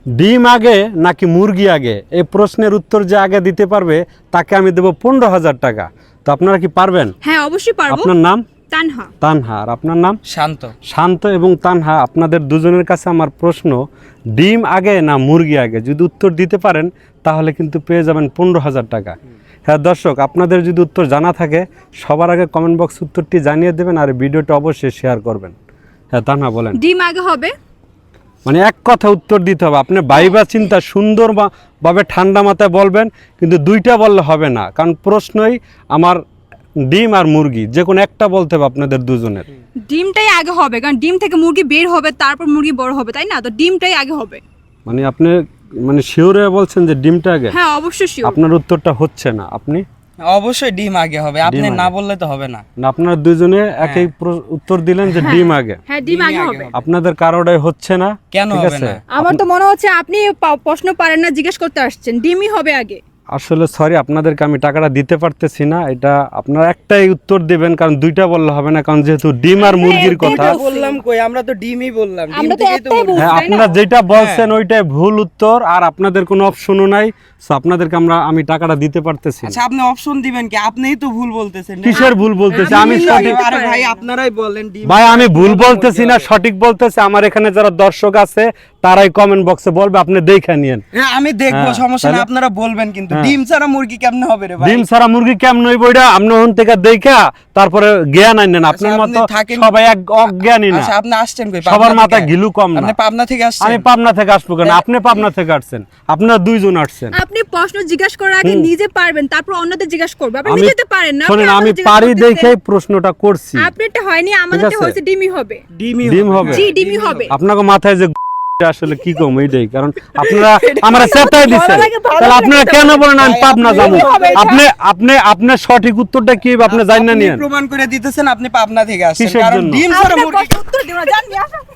ডিম আগে নাকি মুরগি আগে, এই প্রশ্নের উত্তর যে আগে দিতে পারবে তাকে আমি দেবো 15,000 টাকা। তো আপনারা কি পারবেন? হ্যাঁ অবশ্যই পারবো। আপনার নাম? তানহা। তানহা। আর আপনার নাম? শান্ত। শান্ত এবং তানহা, আপনাদের দুজনের কাছে আমার প্রশ্ন, ডিম আগে না মুরগি আগে? যদি উত্তর দিতে পারেন তাহলে কিন্তু পেয়ে যাবেন 15,000 টাকা। হ্যাঁ দর্শক, আপনাদের যদি উত্তর জানা থাকে সবার আগে কমেন্ট বক্স উত্তরটি জানিয়ে দেবেন আর ভিডিওটা অবশ্যই শেয়ার করবেন। হ্যাঁ তানহা বলেন। ডিম আগে হবে। মানে এক কথা উত্তর দিতে হবে, আপনি ভাইবা চিন্তা সুন্দরভাবে ঠান্ডা মাথায় বলবেন, কিন্তু দুইটা বললে হবে না, কারণ প্রশ্নই আমার ডিম আর মুরগি, যে কোনো একটা বলতে হবে আপনাদের দুজনের। ডিমটাই আগে হবে, কারণ ডিম থেকে মুরগি বের হবে, তারপর মুরগি বড় হবে, তাই না? তো ডিমটাই আগে হবে। মানে আপনি মানে শিওরে বলছেন যে ডিমটা আগে? হ্যাঁ অবশ্যই শিওর। আপনার উত্তরটা হচ্ছে না, আপনি? অবশ্যই ডিম আগে হবে, আপনি ডিম না আগে। বললে তো হবে না। না, আপনারা দুজনে একই উত্তর দিলেন যে ডিম আগে। হ্যাঁ ডিম আগে হবে। আপনাদের কারোটাই হচ্ছে না। কেন ঠিক হবে আছে? না? আমার তো মনে হচ্ছে আপনি প্রশ্ন পারেন না, জিজ্ঞেস করতে আসছেন। ডিমই হবে আগে। আসলে সরি, আপনাদেরকে আমি টাকাটা দিতে পারতেছি না। এটা আপনারা একটাই উত্তর দিবেন, কারণ দুইটা বললে হবে না, কারণ যেহেতু ডিম আর মুরগির কথা। বললাম কই, আমরা তো ডিমই বললাম, ডিম আমরা তো থেকেই তো একটাই মুরগি। হ্যাঁ, তাই না? আপনারা যেটা বলছেন ওইটাই ভুল উত্তর, আর আপনাদের কোনো অপশনও নাই। সো আপনাদেরকে আমি টাকাটা দিতে পারতেছি না। আচ্ছা আপনি অপশন দিবেন কি? আপনিই তো ভুল বলতেছেন। কিসের ভুল বলতেছি? আমি সঠিক। আরে ভাই আপনারাই বলেন ডিম। ভাই আমি ভুল বলতেছি না, সঠিক বলতেছি। আমার এখানে যারা দর্শক আছে তারাই কমেন্ট বক্সে বলবে, আপনি দেখে নিয়েন। হ্যাঁ আমি দেখবো, হ্যাঁ, সমস্যা না, তাহলে? আপনারা বলবেন, কিন্তু হ্যাঁ। ডিম ছাড়া মুরগি কেমনে হবে রে ভাই? ডিম ছাড়া মুরগি কেমন হইব এটা আপনি ওখান থেকে দেখা তারপরে জ্ঞান আনেন। আপনার আপনি মতো থাকেন। সবাই এক অজ্ঞানী না। আচ্ছা আপনি আসছেন কই? সবার পাবনা মাথায় থেকে? ঘিলু কম না। আপনি পাবনা থেকে আসছেন? আমি পাবনা থেকে আসবো কেন? আপনি পাবনা থেকে আসছেন, আপনারা দুইজন আসছেন। আপনি প্রশ্ন জিজ্ঞাসা করার আগে নিজে পারবেন, তারপর অন্যদের জিজ্ঞাসা করবে। আপনি আমি নিজেতে পারেন না। শোনেন, আপনি আমি আমাদের জিজ্ঞাসা পারি করতেছেন। দেখেই প্রশ্নটা করছি। আপনারটা হয়নি, আমাদেরটা আছে? হয়েছে ডিমই হবে। ডিম হবে। জি ডিমই হবে। আপনাকে মাথায় যে আসলে কি কম এইটাই, কারণ আপনারা আমার চেতাই দিচ্ছেন। তাহলে আপনারা কেন বলেন আমি পাবনা যাবো? আপনি সঠিক উত্তরটা কি আপনি জানেন না নিয়েন। প্রমাণ করে দিতেছেন আপনি পাবনা থেকে আসছেন, কিসের কারণ জন্য? ডিম ছাড়া আপনার মুরগি প্রশ্ন উত্তর দিও না, জান নিয়ে আসো।